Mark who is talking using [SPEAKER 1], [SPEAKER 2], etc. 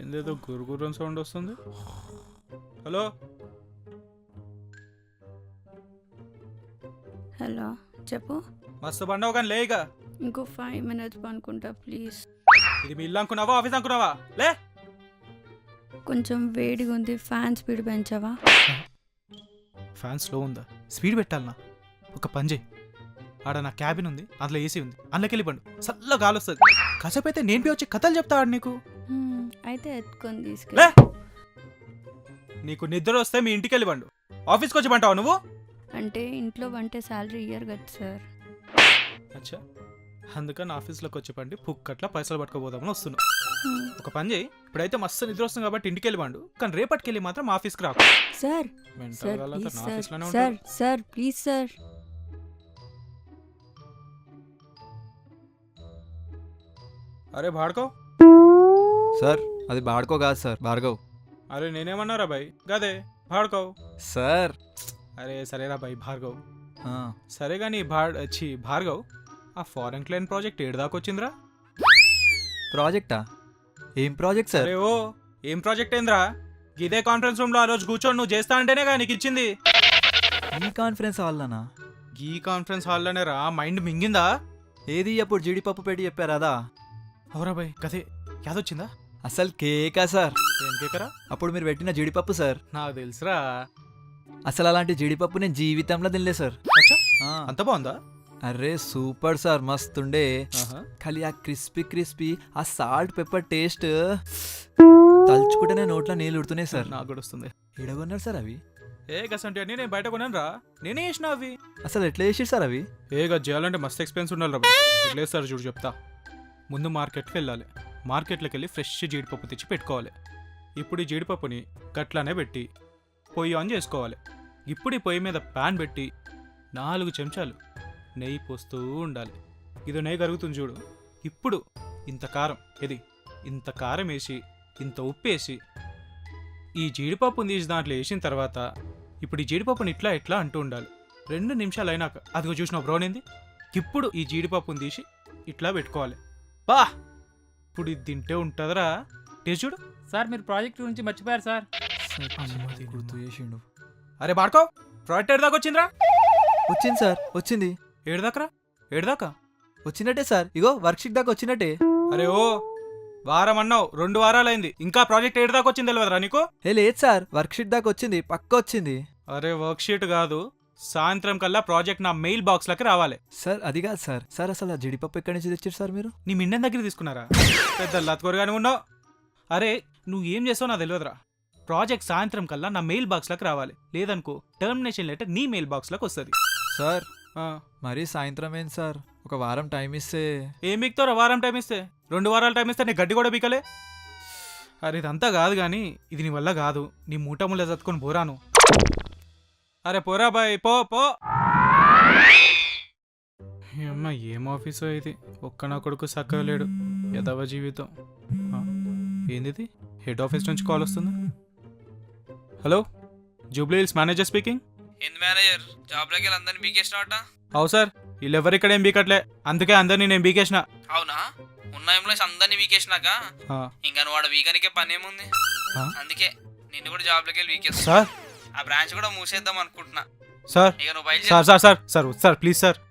[SPEAKER 1] ఏదేదో గురుగురం సౌండ్ వస్తుంది. హలో
[SPEAKER 2] హలో చెప్పు.
[SPEAKER 1] మస్తు బండవు కానీ లేక
[SPEAKER 2] ఇంకో 5 minutes పనుకుంటా ప్లీజ్.
[SPEAKER 1] ఇది మీ ఇల్లు అనుకున్నావా ఆఫీస్ అనుకున్నావా? లే
[SPEAKER 2] కొంచెం వేడిగా ఉంది, ఫ్యాన్ స్పీడ్ పెంచావా?
[SPEAKER 1] ఫ్యాన్ స్లో ఉందా? స్పీడ్ పెట్టాలనా? ఒక పని చేయి, ఆడ నా క్యాబిన్ ఉంది, అందులో ఏసీ ఉంది, అందులోకి వెళ్ళిపండు, చల్ల గాలి వస్తుంది. కాసేపు అయితే నేను వచ్చి కథలు చెప్తా ఆడు నీకు.
[SPEAKER 2] అయితే ఎత్తుకొని
[SPEAKER 1] లే
[SPEAKER 2] తీసుకెళ్ళి.
[SPEAKER 1] నీకు నిద్ర వస్తే మీ ఇంటికి వెళ్ళిపండు, ఆఫీస్కి వచ్చి పంటావు నువ్వు.
[SPEAKER 2] అంటే ఇంట్లో వంటే శాలరీ ఇయ్యరు కదా సార్.
[SPEAKER 1] అచ్చా, అందుకని ఆఫీస్లోకి వచ్చి పండి పుక్కట్లా పైసలు పట్టుకోపోదామని వస్తున్నా. ఒక పని చేయి, ఇప్పుడైతే మస్తు నిద్ర వస్తుంది కాబట్టి ఇంటికి వెళ్ళిపండు, కానీ రేపటికి వెళ్ళి మాత్రం ఆఫీస్కి రాకు.
[SPEAKER 2] సార్
[SPEAKER 1] మెంటల్
[SPEAKER 2] సార్
[SPEAKER 1] వాళ్ళ
[SPEAKER 2] ప్లీజ్
[SPEAKER 1] నా
[SPEAKER 2] సార్,
[SPEAKER 1] ఆఫీస్లోనే
[SPEAKER 2] సార్
[SPEAKER 1] ఉంటాడు.
[SPEAKER 2] Sir please sir.
[SPEAKER 1] అరే భార్గవ్.
[SPEAKER 3] సార్ అది బాడ్కో కాదు సార్, భార్గవ్.
[SPEAKER 1] అరే నేనేమన్నారా బాయ్, గదే భార్గవ్.
[SPEAKER 3] సార్
[SPEAKER 1] అరే సరేరా బాయ్ భార్గవ్.
[SPEAKER 3] ఆ,
[SPEAKER 1] సరే కానీ భార్గవ్, ఆ ఫారెన్ క్లైంట్ ప్రాజెక్ట్ ఏడు దాకా వచ్చిందిరా?
[SPEAKER 3] ప్రాజెక్టా? ఏం ప్రాజెక్ట్ సార్?
[SPEAKER 1] అరే ఓ ఏం ప్రాజెక్ట్ ఏంద్రా? ఇదే కాన్ఫరెన్స్ రూమ్ లో ఆ రోజు కూర్చొని నువ్వు చేస్తా అంటేనే కదా నీకు ఇచ్చింది.
[SPEAKER 3] ఈ కాన్ఫరెన్స్ హాల్లోనా?
[SPEAKER 1] ఈ కాన్ఫరెన్స్ హాల్లోనే రా, మైండ్ మింగిందా?
[SPEAKER 3] ఏది అప్పుడు జీడిపప్పు పెట్టి చెప్పారు అదా?
[SPEAKER 1] అవురా బాయ్ గదే, యాదొచ్చిందా?
[SPEAKER 3] అసలు కేకా సార్?
[SPEAKER 1] ఏం కేకరా?
[SPEAKER 3] అప్పుడు మీరు పెట్టిన జీడిపప్పు సార్.
[SPEAKER 1] నాకు తెలుసురా.
[SPEAKER 3] అసలు అలాంటి జీడిపప్పు నేను జీవితంలో తినలే సార్.
[SPEAKER 1] అచ్చా,
[SPEAKER 3] ఆ,
[SPEAKER 1] అంత బాగుందా?
[SPEAKER 3] అరే సూపర్ సార్, మస్తుండే.
[SPEAKER 1] ఆహా.
[SPEAKER 3] ఖాళీ ఆ క్రిస్పీ ఆ సాల్ట్ పెప్పర్ టేస్ట్ తలుచుకుంటేనే నోట్లో నీళ్ళు ఉడుతున్నాయి సార్.
[SPEAKER 1] నాకు కూడా వస్తుంది.
[SPEAKER 3] ఎడగొన్నారు సార్ అవి?
[SPEAKER 1] ఏ గసంటి అని నేను బయట కొన్నాను రా, నేనే చేసిన అవి.
[SPEAKER 3] అసలు ఎట్లా చేసారు సార్ అవి?
[SPEAKER 1] ఏ గది చేయాలంటే మస్తు ఎక్స్పెన్స్ ఉండాలి రా బాయ్. లేదు సార్ చూడు చెప్తా. ముందు మార్కెట్కి వెళ్ళాలి, మార్కెట్లోకి వెళ్ళి ఫ్రెష్ జీడిపప్పు తెచ్చి పెట్టుకోవాలి. ఇప్పుడు ఈ జీడిపప్పుని గట్లానే పెట్టి పొయ్యి ఆన్ చేసుకోవాలి. ఇప్పుడు ఈ పొయ్యి మీద ప్యాన్ పెట్టి 4 చెంచాలు నెయ్యి పోస్తూ ఉండాలి. ఇది నెయ్యి కరుగుతుంది చూడు. ఇప్పుడు ఇంత కారం వేసి ఇంత ఉప్పు వేసి ఈ జీడిపప్పుని తీసి దాంట్లో వేసిన తర్వాత ఇప్పుడు ఈ జీడిపప్పుని ఇట్లా అంటూ ఉండాలి. 2 నిమిషాలు అయినాక అదిగో చూసిన బ్రౌన్ ఏంది, ఇప్పుడు ఈ జీడిపప్పుని తీసి ఇట్లా పెట్టుకోవాలి. బా ఇప్పుడు ఇది తింటే ఉంటుందిరా, టేస్ట్ చూడు.
[SPEAKER 4] సార్ మీరు ప్రాజెక్ట్ గురించి మర్చిపోయారు సార్.
[SPEAKER 3] గుర్తు చేసిండు.
[SPEAKER 1] అరే బాడుకో, ప్రాజెక్ట్ ఏడు దాకా వచ్చిందిరా?
[SPEAKER 3] వచ్చింది సార్, వచ్చింది.
[SPEAKER 1] ఏడు దాకా
[SPEAKER 3] వచ్చినట్టే సార్, ఇగో వర్క్షీట్ దాకా వచ్చినట్టే.
[SPEAKER 1] అరే ఓ వారం అన్నావు, 2 వారాలైంది, ఇంకా ప్రాజెక్ట్ ఏడు దాకా వచ్చింది తెలియదురా నీకు?
[SPEAKER 3] ఏ లేదు సార్, వర్క్షీట్ దాకా వచ్చింది, పక్క వచ్చింది.
[SPEAKER 1] అరే వర్క్ షీట్ కాదు, సాయంత్రం కల్లా ప్రాజెక్ట్ నా మెయిల్ బాక్స్ లకి రావాలి.
[SPEAKER 3] సార్ అది కాదు సార్. సార్ అసలు ఆ జీడిపప్పు ఎక్కడి నుంచి తెచ్చారు సార్ మీరు?
[SPEAKER 1] నీ మిండెన్ దగ్గర తీసుకున్నారా? పెద్ద లత్కొరగానే ఉన్నావు. అరే నువ్వు ఏం చేస్తావు నాకు తెలియదురా. ప్రాజెక్ట్ సాయంత్రం కల్లా నా మెయిల్ బాక్స్ లకి రావాలి, లేదనుకో టర్మినేషన్ లెటర్ నీ మెయిల్ బాక్స్ లకు వస్తుంది.
[SPEAKER 3] సార్ మరీ సాయంత్రం ఏంటి సార్, ఒక వారం టైం ఇస్తే.
[SPEAKER 1] ఏం బిక్తారా వారం టైం ఇస్తే? 2 వారాలు టైం ఇస్తే నీ గడ్డి కూడా బీకలే. అరే ఇదంతా కాదు కానీ ఇది నీ వల్ల కాదు, నీ మూట ముళ్ళ చదువుకొని పోరాను. అరే పోరా బాయ్, పో పో. అమ్మ ఏం ఆఫీసో ఇది, ఒక్క నా కొడుకు చక్కగా లేడు, యదవ జీవితం. ఏంది హెడ్ ఆఫీస్ నుంచి కాల్ వస్తుంది? Hello, Jubilee Hills manager speaking.
[SPEAKER 5] ఏంది మేనేజర్, జాబ్లోకి వెళ్ళి అందరినీ బీకేసినావట?
[SPEAKER 1] అవు సార్, వీళ్ళెవరు ఇక్కడ ఏం బీకట్లే, అందుకే అందరినీ నేను బీకేసిన.
[SPEAKER 5] అవునా? ఉన్న ఎంప్లాయీస్ అందరినీ బీకేసినాక ఇంకా నువ్వు వాడు వీకనికే పని ఏముంది? అందుకే నిన్ను కూడా జాబ్లోకి వెళ్ళి వీకేస్తా.
[SPEAKER 1] సార్
[SPEAKER 5] ఆ బ్రాంచ్ కూడా మూసేద్దాం అనుకుంటున్నా.
[SPEAKER 1] సార్
[SPEAKER 5] ఇక నువ్వు బయట
[SPEAKER 1] sir sir sir sir sir please sir